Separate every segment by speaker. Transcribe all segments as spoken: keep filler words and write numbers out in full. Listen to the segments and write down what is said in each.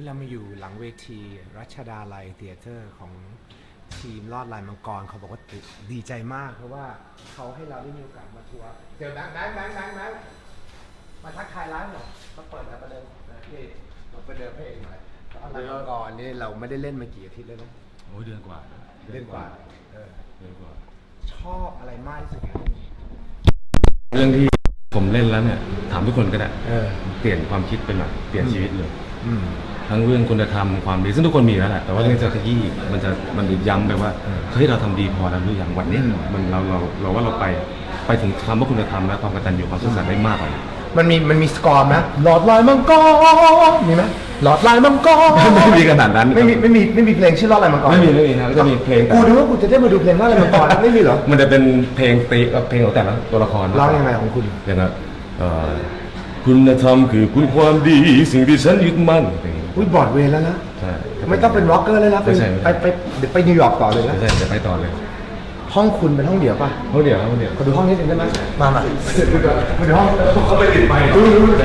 Speaker 1: นี่เรามาอยู่หลังเวทีรัชดาลัยเธียเตอร์ของทีมลอดลายมังกรเขาบอกว่าดีใจมากเพราะว่าเขาให้เราได้มีโอกาสมาทัวร์เจอแบงค์แบงค์แบงค์แบงค์แบงค์มาทักทายร้านหน่อยมาเปิดแล้วประเดิมนี่มาประเดิมเพลงหน่อยลายมังกรนี่เราไม่ได้เล่นมากี่อาทิตย์แล้วนะ
Speaker 2: โอ้ยเดือนกว่า
Speaker 1: เล่นกว่าเออ
Speaker 2: เดือนกว่า
Speaker 1: ชอบอะไรมากที่สุด
Speaker 2: เรื่องที่ผมเล่นแล้วเนี่ยถามทุกคนก็ได้
Speaker 1: เออ
Speaker 2: เปลี่ยนความคิดเป็นแบบเปลี่ยนชีวิตเลย
Speaker 1: อืม
Speaker 2: ทั้งเรื่องคุณธรรมความดีซึ่งทุกคนมีแล้วแหละแต่ว่าเรื่องจะขยี้มันจะมันย้ำไปว่า
Speaker 1: เออ
Speaker 2: เฮ้ยเราทำดีพอแล้วหรือยังวันเนี้ยมันเราเราเราว่าเราไปไปถึงคำว่าคุณธรรมและความกตัญญูความซื่อสัตย์ได้มากกว่านี้
Speaker 1: มันมีมันมีสกอร์ไหมหลอดลายมังกรมีไหมหลอดลายมังกร
Speaker 2: ไม่มีขนาดนั้น
Speaker 1: ไม่มีไม่มีไม่มีเพลงชื่อลอดลายมังกร
Speaker 2: ไม่มีไม่มีนะก็จะมีเพลงแต่
Speaker 1: กูดูว่ากูจะได้มาดูเพลงลอดลายมังกรไม่มีเหรอ
Speaker 2: มันจะเป็นเพลงตีกับเพลงของแต่ละตัวละคร
Speaker 1: ร้องยังไงของคุณ
Speaker 2: อย่างนั้นเอ่อคุณธรรมคือคุณความดีสิ่งที่ฉันยึดมั่นอย่างนี้
Speaker 1: อุ้ยบอร์ดเวย์แล้วนะ
Speaker 2: ใช่
Speaker 1: ไม่ต้องเป็นร็อกเกอร์เลยนะไป
Speaker 2: ไม่ใช่
Speaker 1: ไปไปเดี๋ยวไปนิวยอร์กต่อเลยนะ
Speaker 2: ไม่ใช่จะไปต่อเลย
Speaker 1: ห้องคุณเป็นห้องเดี่ยวป่ะ
Speaker 2: ห้องเดียวห้องเดียว
Speaker 1: ขอดูห้องนิดนึงได้ไหมมามามาดูห้องเขาไปติดไปดูดูดู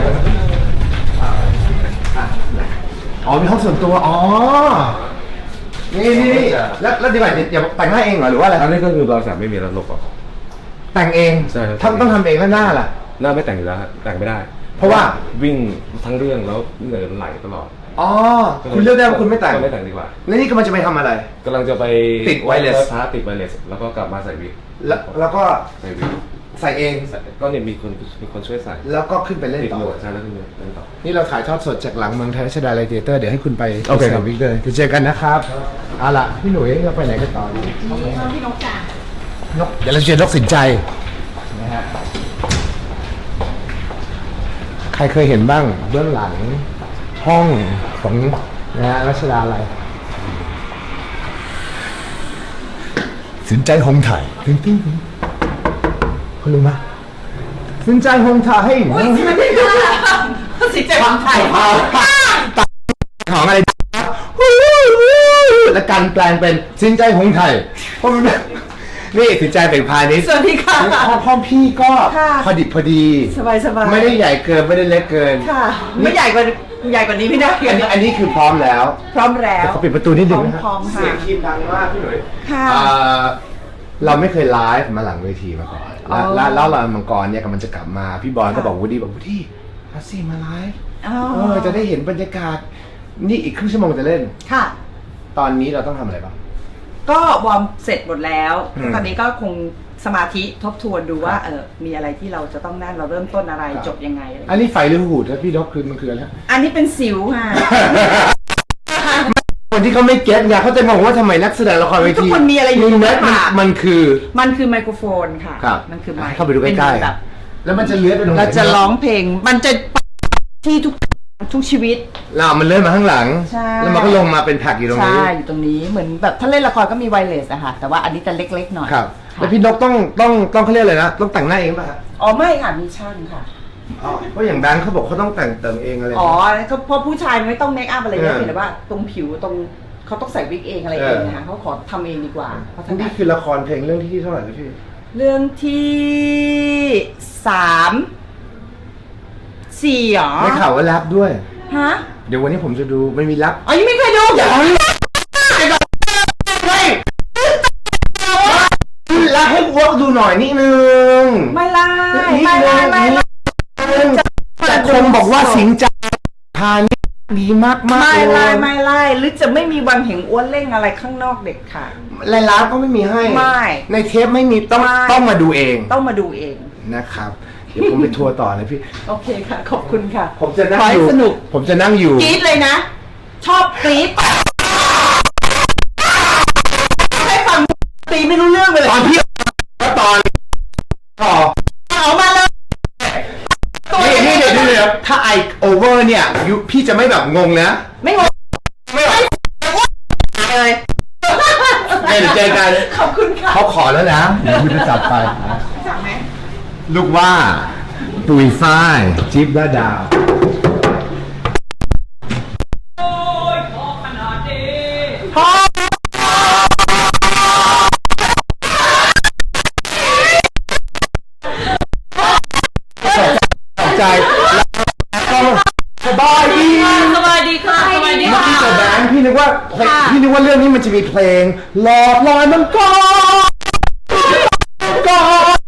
Speaker 1: อ๋อมีห้องส่วนตัวอ๋อนี่นี่นี่แล้วแล้วดีกว่าอย่าแต่งหน้าเองเหรอหรือว่าอะไร
Speaker 2: อันนี้ก็คือเราสามไม่มีแล้วลบออก
Speaker 1: แต่งเอง
Speaker 2: ใช่ครับ
Speaker 1: ทำต้องทำเองแล้วหน้าล่ะ
Speaker 2: หน้าไม่แต่งอยู่แล้วฮะแต่งไม่ได้
Speaker 1: เพราะว่า
Speaker 2: วิ่งทั้งเรื่องแล้วเหนื่อยมันไหลตลอด
Speaker 1: อ๋อคุณเลือกได้ว่าคุณไม่แต่ง
Speaker 2: ก็ไม่แต่งดีกว่า
Speaker 1: แล้วนี่กำลังจะไปทำอะไร
Speaker 2: กำลังจะไป
Speaker 1: ติด wireless
Speaker 2: พาติดไวเลสแล้วก็กลับมาใส่วิก
Speaker 1: แล้วแล้วก็
Speaker 2: ใส่วิก
Speaker 1: ใส่เอง
Speaker 2: ใส่ก็เนี่ยมีคนมีคนช่วยใส่
Speaker 1: แล้วก็ขึ้นไปเล่น
Speaker 2: ติด
Speaker 1: ต่อ
Speaker 2: หนวดใช่แล้วขึ้นไปเล่นต่อ
Speaker 1: นี่เราถ่ายทอดสดจากหลังเมืองไทยรัชดาลัยเธียเตอร์เดี๋ยวให้คุณไป
Speaker 2: โอเคครับ
Speaker 1: วิกเลยเดี๋ยวเจอกันนะครับเอาล่ะพี่หนุ่ยเราไปไหนกันต่อดี
Speaker 3: พี่นกจ่าน
Speaker 1: กเดี๋ยวเราเจอนกสินใจนะฮะใครเคยเห็นบ้างเบื้องหลังห้องของนะฮะรัชดาลัยสินใจหงไทยตึ้งตึ้งตึ้งคุณรู้ไหมสินใจหงไทย
Speaker 3: อุ้ยไม่ได้ค่ะสิเจ็บของไทย
Speaker 1: ของอะไรและการแปลงเป็นสินใจหงไทยเพราะมันนี่สินใจเป็นพาณิชย์
Speaker 3: สวัสดีค่ะ
Speaker 1: ห้องห้องพี่ก็
Speaker 3: ค่ะ
Speaker 1: พอดิบพอดี
Speaker 3: สบายสบาย
Speaker 1: ไม่ได้ใหญ่เกินไม่ได้เล็กเกิน
Speaker 3: ค่ะ ไม่ใหญ่กว่าใหญ่กว่านี้ไม่ได้
Speaker 1: อันนี้อันนี้คือพร้อมแล้ว
Speaker 3: พร้อมแล้ว
Speaker 1: เขาปิดประตูนิดนึงนะครั
Speaker 3: พร้อมๆค่ะ
Speaker 1: เสียงคีบดังมากพี่หนุ่ย
Speaker 3: ค่ะ
Speaker 1: เอ่อเราไม่เคยไลฟ์มาหลังเวทีมาก่อน
Speaker 3: อ๋อ
Speaker 1: แล้วแล้วเรามังกรเนี่ยกำลังจะกลับมาพี่บอลก็บอกวูดดี้บอกวูดดี้มาสิมาไลฟ์
Speaker 3: อ๋อ
Speaker 1: เออจะได้เห็นบรรยากาศนี่อีกครึ่งชั่วโมงจะเล่น
Speaker 3: ค่ะ
Speaker 1: ตอนนี้เราต้องทำอะไรบ้าง
Speaker 3: ก็วอร์มเสร็จหมดแล้ว
Speaker 1: อืม
Speaker 3: ตอนนี้ก็คงสมาธิทบทวนดูว่า
Speaker 1: ครับ
Speaker 3: เออมีอะไรที่เราจะต้องนั่นเราเริ่มต้นอะไร
Speaker 1: ครับ
Speaker 3: จบยังไงอะไร
Speaker 1: อันนี้ไฟหรือหูดครับพี่ดอกคือมันคืออะไร
Speaker 3: อันนี้เป็นสิวค่ะ
Speaker 1: คนที่เขาไม่เก็ตไงเขาจะงงว่าทำไมนักแสดงละครเวที
Speaker 3: ทุกคนมีอะไรอยู่
Speaker 1: มึง
Speaker 3: ใน
Speaker 1: นะมัน
Speaker 3: ปาก
Speaker 1: มันคือ
Speaker 3: มันคือไมโครโฟนค่ะ
Speaker 1: ครับ
Speaker 3: มันคือไมค์
Speaker 1: เข้าไปดูใกล้
Speaker 3: เป็นแบบ
Speaker 1: ๆแล้วมันจะเลื้อยไปตรงไหน
Speaker 3: เราจะร้องเพลง มันจะที่ทุกทุกชีวิต
Speaker 1: เรามันเลื้อยมาข้างหลัง
Speaker 3: ใช่
Speaker 1: แล้วมันก็ลงมาเป็นแพ็กอยู่ตรงนี้
Speaker 3: ใช่อยู่ตรงนี้เหมือนแบบถ้าเล่นละครก็มีไวเลสอะค่ะแต่ว่าอันนี้จะเล็กๆหน่อย
Speaker 1: ครับ
Speaker 3: ค่ะ
Speaker 1: แล้วพี่นกต้องต้องต้องเขาเรียกอะไรนะต้องแต่งหน้าเองป่ะฮะ
Speaker 3: อ๋อไม่ค่ะมีช่างค่ะ
Speaker 1: อ๋อเพราะอย่างแบงค์เขาบอกเขาต้องแต่งเติมเองอะไร
Speaker 3: อ๋อก็เพราะผู้ชายไม่ต้องเมคอัพอะไรเยอะ
Speaker 1: เออ
Speaker 3: เพียงแต่ว่าตรงผิวตรงเขาต้องใส่วิกเองอะไร
Speaker 1: เอ
Speaker 3: เอ
Speaker 1: อ
Speaker 3: งนะคะเขาขอทำเองดีกว่าเพราะถนั
Speaker 1: นี่
Speaker 3: ด
Speaker 1: คือละครเพลงเรื่องที่เท่าไหร่นะพี่
Speaker 3: เรื่องที่สามสี่หรอ
Speaker 1: ไม่ข่าวว่าแรปด้วย
Speaker 3: ฮะ
Speaker 1: เดี๋ยววันนี้ผมจะดูไม่มีแรป
Speaker 3: อ๋อยังไม่เคยดูเดี๋ยว
Speaker 1: แล้วให้วอกดูหน่อยนิดนึง
Speaker 3: ไม่ไล่
Speaker 1: นิด
Speaker 3: ไม่
Speaker 1: นึ
Speaker 3: ไล่
Speaker 1: ง
Speaker 3: ไม่
Speaker 1: นิ
Speaker 3: ไล่
Speaker 1: ดนึงแต่คนบอกว่าสิงใจพานี่ดีมากมาก
Speaker 3: ไม่ไล่ไม่ไล่หรือจะไม่มีวันเห็นอ้วนเล่งอะไรข้างนอกเด็ดขาด
Speaker 1: รายร้านก็ไม่มีให้
Speaker 3: ไม่
Speaker 1: ในเทปไม่มีต้อง
Speaker 3: ไม่
Speaker 1: ต้องมาดูเอง
Speaker 3: ต้องมาดูเอง
Speaker 1: นะครับ เดี๋ยวผมไปทัวร์ต่อนะพี่
Speaker 3: โอเคค่ะ ขอบคุณค่ะ
Speaker 1: ผมจะนั่ง
Speaker 3: ขอ
Speaker 1: อ
Speaker 3: ให้
Speaker 1: ยู่
Speaker 3: สนุก
Speaker 1: ผมจะนั่งอยู่
Speaker 3: กรี๊ดเลยนะ ชอบกรี๊ดให้ฟังตีไม่รู้เรื่องไปเลย
Speaker 1: ตอนพี่ก็ตอนต่อ
Speaker 3: ออกมาเลย
Speaker 1: นี่นี่เดี๋ยวเดี๋ยวถ้าไอโอเวอร์เนี่ยยูพี่จะไม่แบบงงนะ
Speaker 3: ไม่งง
Speaker 1: ไม่หรอก
Speaker 3: เลย
Speaker 1: เดี๋ยวเจอกัน
Speaker 3: ขอบคุณค่ะ
Speaker 1: เขาขอแล้วนะเดี๋ยวคุณจะจัดไป
Speaker 3: จับไหม
Speaker 1: ลูกว่าตุยฝ้ายจิ๊บและดาวตกใจแล้วก็สบายดี
Speaker 3: สวัสดีค่ะสวัสดี
Speaker 1: นึกว่าเพลงพี่นึกว่าเรื่องนี้มันจะมีเพลงหลอดลอยมังกรกอด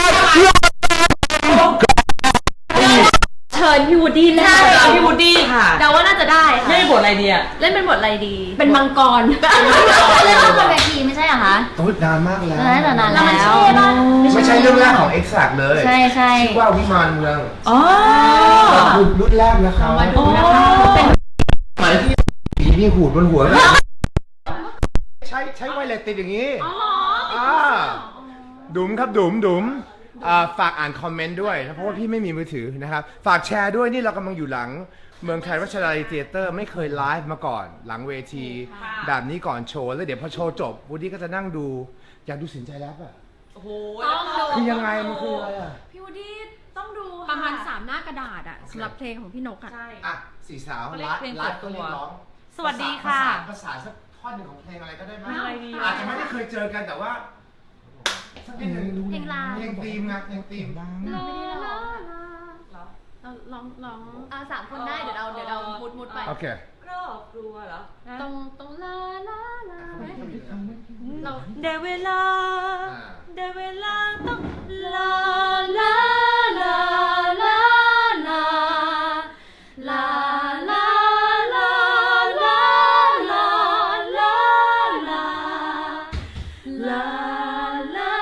Speaker 4: เชิญพี่วูดดี้เล่น
Speaker 5: พี่วูดดี้ค่ะ
Speaker 4: เดาว่าน่าจะได้
Speaker 5: เล่นบทอะไรดีอะ
Speaker 4: เล่นเป็นบทอะไรดี เป็นมังกร
Speaker 6: เล่นละครเวทีไม่ใช่เหรอคะ
Speaker 1: โอ้ยนานมากแล้ว
Speaker 6: นานแต่นาน
Speaker 4: แล้วมัน
Speaker 6: แล้
Speaker 4: ใช่
Speaker 6: ว
Speaker 4: ป่ะ
Speaker 1: ไม่ใช่เรื่องแรกของ Exact เลย
Speaker 6: ใช่ใช่
Speaker 1: ชื่อว่าวิมานเมือง
Speaker 5: อ๋อ
Speaker 1: รุ่นแรกนะครับ
Speaker 4: มาดูนะคะเป็น
Speaker 1: หมายที่ผีมีหูดบนหัวใช้ใช้ไวเลสติดอย่างนี้
Speaker 4: อ๋อ
Speaker 1: อ่าดุ๋มครับดุ๋มดุ๋มอ่าฝากอ่านคอมเมนต์ด้วยนะเพราะว่าพี่ไม่มีมือถือนะครับฝากแชร์ด้วยนี่เรากำลังอยู่หลังเมืองไทยรัชดาลัยเธียเตอร์ไม่เคยไลฟ์มาก่อน หลังเวทีแบบนี้ก่อนโชว์แล้วเดี๋ยวพอโชว์จบวูดดี้ก็จะนั่งดูอยากดูสินใจแล้วอะ
Speaker 5: โอ้โห
Speaker 4: ต้องดู
Speaker 1: คือยังไงมันคืออะไรอะ
Speaker 4: พี่วูดดี้ต้องดูประมาณสามหน้ากระดาษอะสำหรับเพลงของพี่นกอะ
Speaker 5: ใช่
Speaker 1: อ่ะสี่สาว
Speaker 5: เขาเรีย
Speaker 1: ไล
Speaker 5: ก
Speaker 1: ฟ์
Speaker 5: เพลง
Speaker 1: ไลฟ์
Speaker 5: เปิ
Speaker 1: ก็
Speaker 5: ดตัว
Speaker 1: เรียกร้อง
Speaker 5: สวัสดีค่ะ
Speaker 1: ภาษาสักท่อนหนึ่งของเพลงอะไรก็ได้ไหม
Speaker 5: อะไรดี
Speaker 1: อาจจะไม่ได้เคยเจอกันแต่ว่าสักนิดหนึ่ง
Speaker 6: เพลงลาว
Speaker 1: เพลงธีมไงเพลงธีม
Speaker 4: ลาลาลาเราลองลอง
Speaker 6: อ่าสามคนได้เดี๋ยวเราเดี๋ยวเรามุดมุดไป
Speaker 1: โอเค
Speaker 5: ครอบครัวเหรอ
Speaker 4: ตรงตรงลาลาลาเรา
Speaker 5: ได้เวลา ได้เวลาต้องลา
Speaker 4: ลาลาลาลาลาลาลาลาลาลาลาลาลาลา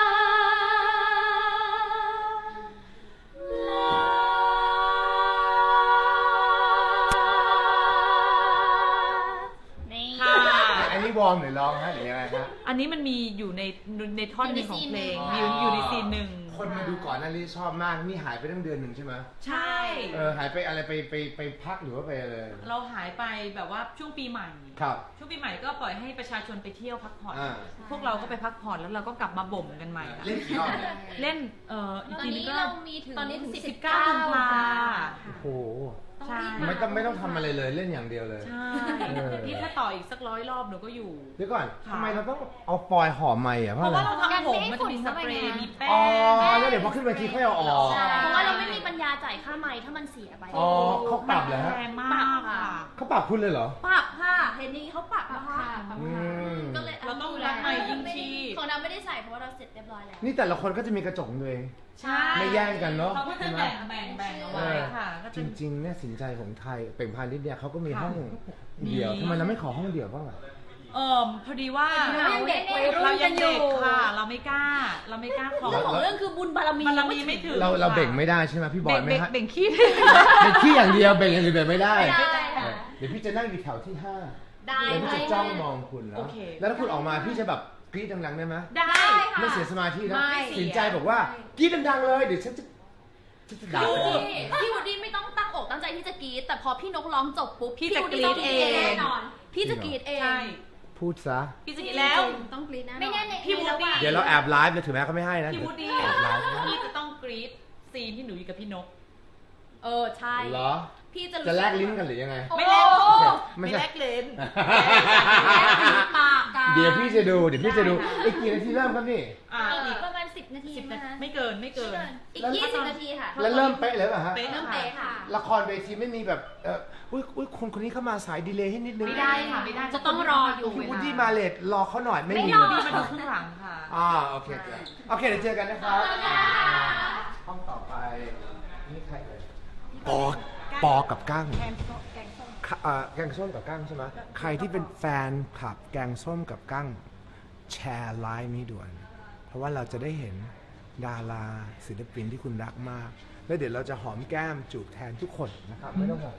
Speaker 6: นี่
Speaker 5: ค่ะ
Speaker 1: อันนี้วอร์มหรือร้องฮะหรือยังไงฮะ
Speaker 5: อันนี้มันมีอยู่ในในท่อนหนึงของเพลง
Speaker 6: อ
Speaker 5: อยู่
Speaker 6: ในซีนหนึ่ง
Speaker 5: อยู่ในซีนหนึ่ง
Speaker 1: คนมาดูก่อนหน้านี้ชอบมากนี่หายไปตั้งเดือนหนึ่งใช่ไหม
Speaker 5: ใช่
Speaker 1: เออหายไปอะไรไปไปไปพักหรือว่าไปอะไร
Speaker 5: เราหายไปแบบว่าช่วงปีใหม่
Speaker 1: ครับ
Speaker 5: ช่วงปีใหม่ก็ปล่อยให้ประชาชนไปเที่ยวพักผ่อน
Speaker 1: อ่า
Speaker 5: พวกเราก็ไปพักผ่อนแล้วเราก็กลับมาบ่มกันใหม่ค่ะ
Speaker 1: เล่นกี่รอบเนี่ย
Speaker 5: เล่นเอ่ออีก
Speaker 6: ตอน
Speaker 5: ทีนึ
Speaker 6: นี้
Speaker 5: งก็
Speaker 6: เรามีถึง
Speaker 5: ตอนนี้ถึง
Speaker 6: สิ
Speaker 5: สิ
Speaker 6: บบ เก้า
Speaker 5: เก้ากุมภา
Speaker 1: โอ้โห
Speaker 5: ใช่
Speaker 1: ไม่ต้องไม่ต้องทำอะไรเลยเล่นอย่างเดียวเลย
Speaker 5: ใช่
Speaker 1: เออ
Speaker 5: นี่ถ้าต่ออีกสักร้อยรอบหนูก็อยู่
Speaker 1: เดี๋ยวก่อน
Speaker 5: ค่ะ
Speaker 1: ทำไมเราต้องเอาฟอยล์ห่อไม้อะเพ
Speaker 5: เพ
Speaker 1: ราะ
Speaker 5: ราะ
Speaker 1: อะไร
Speaker 5: ว่าเราทำผมมันจะมีสเปรย์มีแป้ง
Speaker 1: อ๋อแล้วเดี๋ยวพอขึ้นเวทีค่อยเอาออก
Speaker 6: ใช่
Speaker 4: เพราะว่าเราไม่มีปัญญาจ่ายค่าไมค์ถ้ามันเสียไป
Speaker 1: อ๋อเขาปรับเหรอฮะ
Speaker 5: แรงมากค่ะ
Speaker 1: เขาปรับคุณเลยเหรอ
Speaker 4: ปรับค่ะเห็นนี้เขาปรับแล้วค่ะ
Speaker 1: อืม
Speaker 4: ก็เลย
Speaker 5: เราต้องรักไมค์ยิ่งชีพ
Speaker 4: ของเราไม่ได้ใส่เพราะว่าเราเสร็จเรียบร้อยแล้ว
Speaker 1: นี่แต่ละคนก็จะมีกระจกของตัวเอง
Speaker 5: ใช่
Speaker 1: ไม่แย่งกันเนอะ
Speaker 5: เขาก็จะแบ่งแบ่งแบ่งเอาไว้ค่ะก็
Speaker 1: จ
Speaker 5: จะ
Speaker 1: ริงๆเนี่ยสินใจของไทยเป่งพาณิชย์เนี่ยเขาก็มี
Speaker 5: ค่ะ
Speaker 1: ห้องเดี่ยวทำไมเราไม่ขอห้องเดี่ยวบ้างอะ
Speaker 5: เอ่อพอดีว่า
Speaker 4: เรายังเด็กวัยรุ่น
Speaker 5: เรายังเด็ก
Speaker 4: กันอยู่
Speaker 5: ค่ะ เราไม่กล้า เราไม่กล้าขอ
Speaker 4: เรื่องของเรื่องคือบุญบารมี
Speaker 5: บารมีไม่ถึง
Speaker 1: เราเราเบ่งไม่ได้ใช่ไหมพี่บอ
Speaker 5: เบ่
Speaker 1: ย
Speaker 5: ง
Speaker 1: ไม่
Speaker 5: เบ่ง
Speaker 1: ให้
Speaker 5: เบ่งขี้
Speaker 1: เบ่งขี้อย่างเดียวเบ่งอย่างอื่นเบ่งไม่ได้
Speaker 4: ไม่ได้ค่ะ
Speaker 1: เออเดี๋ยวพี่จะนั่งอยู่แถวที่ห้า
Speaker 4: ได้
Speaker 1: แล้วพี่จะจ้องมองคุณแล้ว
Speaker 5: โอเค
Speaker 1: แล้วถ้าคุณออกมาพี่จะแบบกรี๊ดดังๆได้ไหม
Speaker 5: ได้
Speaker 4: ค่ะ
Speaker 1: ไม่เสียสมาธินะ
Speaker 4: ไม่
Speaker 1: สินใจบอกว่ากรี๊ดดังๆเลยเดี๋ยวฉันจะฉันจะด่า
Speaker 4: พี่วูด
Speaker 1: เธอ
Speaker 4: ดี้พี่วูดดี้ไม่ต้องตั้งอกตั้งใจที่จะกรี๊ดแต่พอพี่นกร้องจบปุ๊บ
Speaker 5: พี่จะ
Speaker 4: วูด
Speaker 5: กรี๊
Speaker 4: ต้
Speaker 5: ดเอง
Speaker 4: แน่นอน พี่จะกรี๊ดเอง
Speaker 5: ใช่
Speaker 1: พูดซะ
Speaker 5: พี่จะกินแล้ว
Speaker 4: ต้องกรี๊ดแน่นอน
Speaker 6: ไม่แน่ใน
Speaker 5: พี่วูดดี้
Speaker 1: เดี๋ยวเราแอบไลฟ์เลยถึงแม้เขาไม่ให้นะ
Speaker 5: พี่วูดดี้
Speaker 1: แอบไลฟ์นะ
Speaker 5: พี่จะต้องกรี๊ดซีนที่หนูอยู่กับพี่นก
Speaker 4: เออใช่
Speaker 1: เหรอ
Speaker 4: พี่จะรู้
Speaker 1: จะแลกลิ้นกันหรือยังไง
Speaker 5: ไม่แลก
Speaker 4: โอ้
Speaker 1: ไม่
Speaker 5: ไม่
Speaker 1: ใช่
Speaker 5: แลกเลน
Speaker 4: ปากกัน
Speaker 1: เดี๋ยวพี่จะดูเดี๋ยวพี่จะดูอีกกี่นาทีเริ่มครับนี่
Speaker 5: อ่า
Speaker 6: เออ
Speaker 5: อีก
Speaker 6: ประมาณสิบนาที
Speaker 5: สิบ
Speaker 6: นะ
Speaker 5: นาที
Speaker 6: คะ
Speaker 5: ไม่เกินไม่เกิน
Speaker 6: อีกยี่สิบนาทีค่ะ
Speaker 1: แล้วเริ่มเป๊ะเลยป่ะฮะ
Speaker 5: เป๊ะ
Speaker 4: เริ่มเป๊ะค่ะ
Speaker 1: ละครเวทีไม่มีแบบเอออุ้ยอุ้ยคนคนนี้เข้ามาสายดีเลย์ให้นิดนึง
Speaker 5: ไม่ได้ค่ะไม่ได้
Speaker 4: จะต้องรออยู่
Speaker 1: พี่วูดดี้มาเลทรอเขาหน่อยไม่มี
Speaker 5: พี่วูดดี้มาดูข้างหลังค่ะ
Speaker 1: อ่าโอเคโอเคเดี๋ยวเจอกันนะครับห้องต่อไปนี่ใครเอ่ยปอปอกับกั้งเอ่อแกงส้มกับกั้งใช่ไหมใครที่เป็นแฟนคลับแกงส้มกับกั้งแชร์ไลน์นี้ด่วน เพราะว่าเราจะได้เห็นดาราศิลปินที่คุณรักมาก แล้วเดี๋ยวเราจะหอมแก้มจูบแทนทุกคนนะครับไม่ต้องห่วง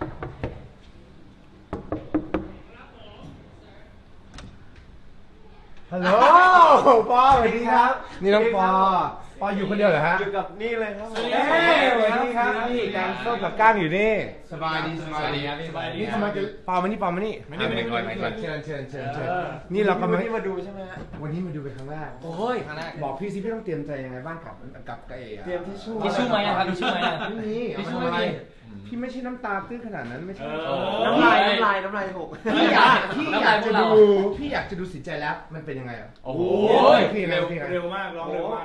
Speaker 1: ฮัลโหลปอสวัสดีครับ นี่น้องปอปออยู่คนเดียวเหรอฮะ
Speaker 7: อยู่กับนี่เลยครับ
Speaker 1: เอ้ยสวัสดีครับนี่แกงส้มกับก้างอยู่นี่สบายดีสบายดี
Speaker 7: ครับสบายดี
Speaker 1: นี่ทำไมจะปอมานี่ปอมานี่
Speaker 7: ไม่ได้ไม่ได้ไม่ได้
Speaker 1: เชิญเชิญเชิญเชิญ
Speaker 7: เออ
Speaker 1: นี่เรากำลัง
Speaker 7: วันนี้มาดูใช่ไหมฮะ
Speaker 1: วันนี้มาดูเป็นครั้งแรก
Speaker 7: โอ้ยครั้งแรก
Speaker 1: บอกพี่สิพี่ต้องเตรียมใจยังไงบ้างกับกับกบเอ๋อะ
Speaker 7: เตรียมทิชชู่
Speaker 8: ทิชชู่ไหมอะครับทิชชู่ไหมอะ
Speaker 1: ไม่มี
Speaker 7: ทิชชู่
Speaker 1: เอาาทำ
Speaker 7: ไม่มี
Speaker 1: พี่ไม่ใช่น้ำตาตื้นขนาดนั้นไม่ใช่
Speaker 7: น้ำลายน้ำลายน้ำลายหก
Speaker 1: พี่อยากพี่อยาก
Speaker 8: น้ำลายพว
Speaker 1: จะ
Speaker 8: กเรา
Speaker 1: ดูพี่อยากจะดูสินใจแล้วมันเป็นยังไงอ่ะ
Speaker 8: โอ้โห
Speaker 1: พี่
Speaker 7: เร็ว
Speaker 1: พี่
Speaker 7: เร็วมากร้องเร็วมาก
Speaker 1: พ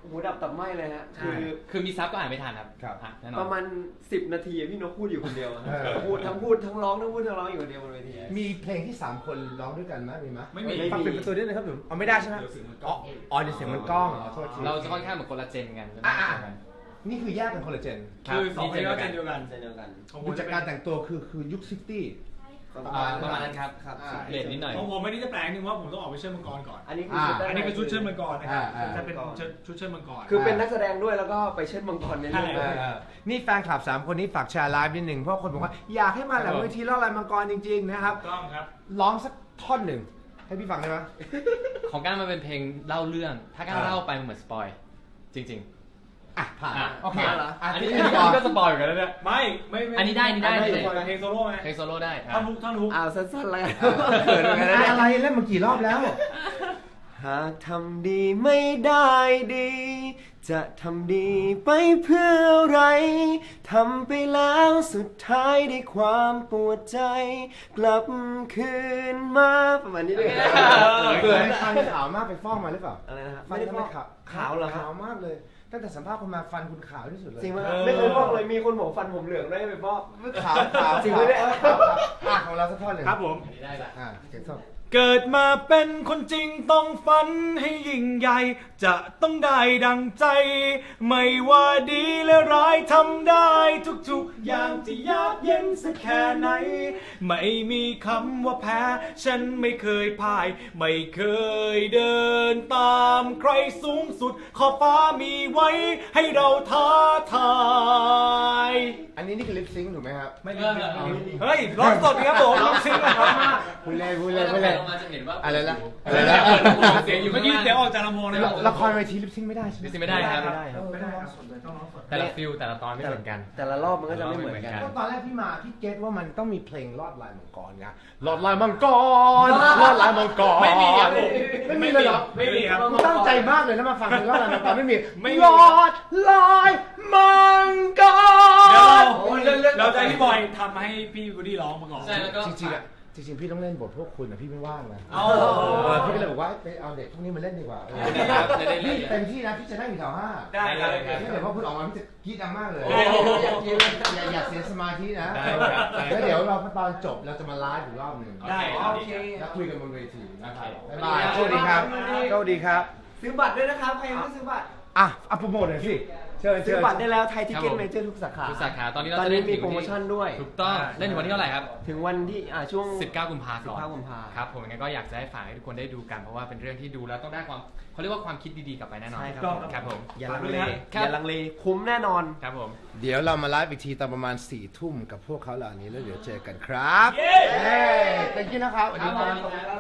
Speaker 7: หูดับตับไหมเลยฮะ คือ
Speaker 8: คือมีซับก็อ่านไม่ทันครับ
Speaker 1: ครับ
Speaker 8: อ่ะแน่นอน
Speaker 7: ประมาณสิบนาทีอะพี่นกพูดอยู่คนเดียวอะ
Speaker 1: เออ
Speaker 7: พูดทั้งพูดทั้งร้องทั้งพูดทั้งร้องอยู่คนเดียวบนเวที
Speaker 1: มีเพลงที่สามคนร้องด้วยกันไหมมีไหม
Speaker 7: ไม่มี
Speaker 1: ฟังเป็นประตูด้วยนะครับผมเอาไม่ได้ใช่ไหมอ๋ออ๋อเดี๋ยวเสียงมันกล้องอ๋อโทษที
Speaker 8: เราจะค่อนข้างเหมือนคนละเจนกัน
Speaker 1: อ่ะอ่ะนี่คือแยกกันคนละเจน
Speaker 8: คือสองคนก็เจน
Speaker 7: เดียวกันเดียวกัน
Speaker 1: ดูจากการแต่งตัวคือคือยุคซิตี้
Speaker 8: อ่าประมาณนั้นครับ
Speaker 7: ครับ
Speaker 1: อ่า
Speaker 8: เปลี่ยนนิดหน่อย
Speaker 9: ของผมไม่ได้จะแปลงนึงว่าผมต้องออกไปเชิดมังกรก่อน
Speaker 7: อันนี้คือชุดด้า
Speaker 9: อันนี้คือชุดเชิดมังกรนะครับ
Speaker 1: อ่าอ่า
Speaker 9: จะเป็นชุดชุดเชิดมังกร
Speaker 7: คือเป็นนักแสดงด้วยแล้วก็ไปเชิดมังกรในเรื่อง
Speaker 9: ใช่
Speaker 7: ด้วย
Speaker 1: เออนี่แฟนคลับสามคนนี้ฝากแชร์ไลฟ์นิดหนึ่งเพราะคนบอกว่าอยากให้มาหลังเวทีล่อลายมังกรจริงๆนะครับ
Speaker 9: ถูกต้องครับ
Speaker 1: ร้องสักท่อนหนึ่งให้พี่ฟังได้ไหม
Speaker 8: ของก้านมันเป็นเพลงเล่าเรื่อง ถ้าก้าน
Speaker 1: อ่า
Speaker 8: เล่าไปมันเหมือนสปอยจริง
Speaker 1: อ่ะผ่าน
Speaker 8: อ่ะ
Speaker 1: โอเค
Speaker 8: ผ่าน
Speaker 1: อ่ะ
Speaker 8: ๆ อันนี้
Speaker 1: ที่
Speaker 8: อัน
Speaker 1: ก่อน
Speaker 8: นี้ก็สปอยเหมือนกันแล้วเนี่ย
Speaker 9: ไม่ไม่ม่
Speaker 8: อันนี้ได้อันนี้ได้
Speaker 9: เพลง
Speaker 8: อันนี้ได้
Speaker 9: เพลงโซโล่ไหม
Speaker 8: เพลงโซโล่ได้
Speaker 9: ท่อนฮุกท่อนฮุก
Speaker 7: อ้าวสั้นๆเลย
Speaker 1: เขินเหมือนกันนะอะไรเล่นมากี่รอบแล้ว
Speaker 7: หากทำดีไม่ได้ดี จะทำดีไปเพื่ออะไรทำไปแล้วสุดท้ายได้ความปวดใจ กลับคืนมาประมาณนี้ด้วย
Speaker 1: เกิดฟันขาวมากไปฟอกมาหรือเปล่า
Speaker 7: อะไรนะฮะ
Speaker 1: ฟัน
Speaker 7: ไม่ได้
Speaker 1: ทำ
Speaker 7: ฟ
Speaker 1: ไม
Speaker 7: อก
Speaker 1: ขาว
Speaker 7: ขาวเหรอฮะ
Speaker 1: ขาวมากเลย ตั้งแต่สัมภาษณ์คนมาฟันคุณขาวที่สุดเลย
Speaker 7: จริงไหมไม่เคยฟอกเลยมีคนบอกฟันผมเหลืองได้ไปฟอก
Speaker 1: ขาวขาว
Speaker 7: จริงไหมเนี่ย
Speaker 1: ขาวขาวอ่ะของเราสักท่อนหนึ่ง
Speaker 9: ครับผม
Speaker 8: อันนี้ได้ละ
Speaker 1: อ่ะเสียงสด
Speaker 9: เกิดมาเป็นคนจริงต้องฝันให้ยิ่งใหญ่ จะต้องได้ดังใจ ไม่ว่าดีและร้ายทำได้ทุกๆ อย่างจะยากเย็นสักแค่ไหน ไม่มีคำว่าแพ้ ฉันไม่เคยพ่าย ไม่เคยเดินตามใครสูงสุด ขอบฟ้ามีไว้ให้เราท้าทาย
Speaker 1: อันนี้นี่คือลิปซิงค์ถูกไหมครับ
Speaker 8: ไม่เริ่มแล้ว
Speaker 9: เฮ้ยร้องสดครับผมร้องซิงค์นะครับ
Speaker 1: พูดเล่นพูดเล่นพูดเล่น
Speaker 8: ลงมาจะเห็นว่า
Speaker 1: อะไรนะ
Speaker 8: อะ
Speaker 1: อะไร ไร
Speaker 8: นะ
Speaker 1: นะ
Speaker 8: เสียงอยู่
Speaker 9: เมื่อกี้เสียงออกจากลำโพงนะค
Speaker 1: ละ
Speaker 9: รับ
Speaker 1: ละครเวทีลิปซิงค์ไม่ได้ใช่ไหม
Speaker 8: ลิปซิงค์ไม่ได้ครับ
Speaker 7: ไม่ได้
Speaker 1: เออไม่ได้ร้องสดเลยต้องร้องสด
Speaker 8: แต่ละฟิลแต่ละตอนไม่เหมือนกัน
Speaker 7: แต่ละรอบมันก็จะไม่เหมือนกัน
Speaker 1: ก็ตอนแรกพี่มาพี่เก็ตว่ามันต้องมีเพลงลอดลายมังกรไงลอดลายมังกรลอดลายมังกร
Speaker 9: ไม่มีครับผม
Speaker 1: ไม่มีเลยเหรอ
Speaker 9: ไม่มีครับ
Speaker 1: กูตั้งใจมากเลยนะมาฟังเพลงลอดลายมังกรไม่มี
Speaker 9: ไม่มี
Speaker 1: ลอดลายมังก
Speaker 9: เดี๋ยว
Speaker 1: ร
Speaker 9: เราเราจะให้พี่บอยทำให้พี่วูดดี้ร้องมาก่อน
Speaker 8: ใช่แล้วก็
Speaker 1: จริงๆอะจริงๆพี่ต้องเล่นบทพวกคุณนะพี่ไม่ว่างนะ
Speaker 9: เอา
Speaker 1: เออพี่ก็เลยบอกว่าไปเอาเด็กพวกนี้มาเล่นดีกว่าเออ
Speaker 8: ครับจะได้เล่
Speaker 1: พี่
Speaker 8: น
Speaker 1: เต็มที่นะพี่จะนั่งอยู่แถวห้า
Speaker 9: ได้ครับ
Speaker 1: พี่เดี๋ยวพอพูดออกมาพี่จะกรี๊ดดังมากเลย
Speaker 9: ได้ครับ
Speaker 1: อย่าอย่าอย่าเสียสมาธินะ
Speaker 8: ได้ครับได้ครับ
Speaker 1: แล้วเดี๋ยวเราตอนจบเราจะมาไลฟ์อีกรอบหนึ่ง
Speaker 9: ได้
Speaker 7: โอเค
Speaker 1: แล้วคุยกันบนเวทีนะครับ
Speaker 8: โอเค
Speaker 1: บ๊ายบายโชคดีครับโชคดีครับ
Speaker 7: ซื้อบัตรด้วยนะครับ ใครยังไม่ซื้อบัตร
Speaker 1: อ่ะเอาโปรโมทหน่อยสิเชิญ
Speaker 7: ซื้
Speaker 1: เชิ
Speaker 7: อ
Speaker 1: ญ
Speaker 7: บัตรได้แล้วไทยทิ
Speaker 8: ครับ
Speaker 7: เก็ต
Speaker 8: ผม
Speaker 7: เมเจอร์ทุกสาขา
Speaker 8: ทุกสาขาตอนนี้เรา
Speaker 7: ตอน
Speaker 8: จะ
Speaker 7: นี้
Speaker 8: เล่น
Speaker 7: มี
Speaker 8: ถึง
Speaker 7: โปรโมชั่นด้วย
Speaker 8: ถูกต้องเล่นถึงวันที่เท่าไหร่ครับ
Speaker 7: ถึงวันที่อ่าช่วง
Speaker 8: สิบเก้ากุมภาพันธ์
Speaker 7: สิบเก้ากุมภา
Speaker 8: ครับผมงั้นก็อยากจะให้ฝากให้ทุกคนได้ดูกันเพราะว่าเป็นเรื่องที่ดูแล้วต้องได้ความเขาเรียกว่าความคิดดีๆกลับไปแน่นอน
Speaker 7: ใช่ครับ
Speaker 8: ครับผม
Speaker 7: อย่าลังเล
Speaker 8: ครับ
Speaker 7: อย่าลังเลคุ้มแน่นอน
Speaker 8: ครับผม
Speaker 1: เดี๋ยวเรามาไลฟ์อีกทีตอนประมาณสี่ทุ่มกับพวกเขาเหล่านี้แล้วเดี๋ยวเจอกันครับ
Speaker 9: เย้
Speaker 1: เย้ thank you นะครับ
Speaker 8: สวัสดีครับ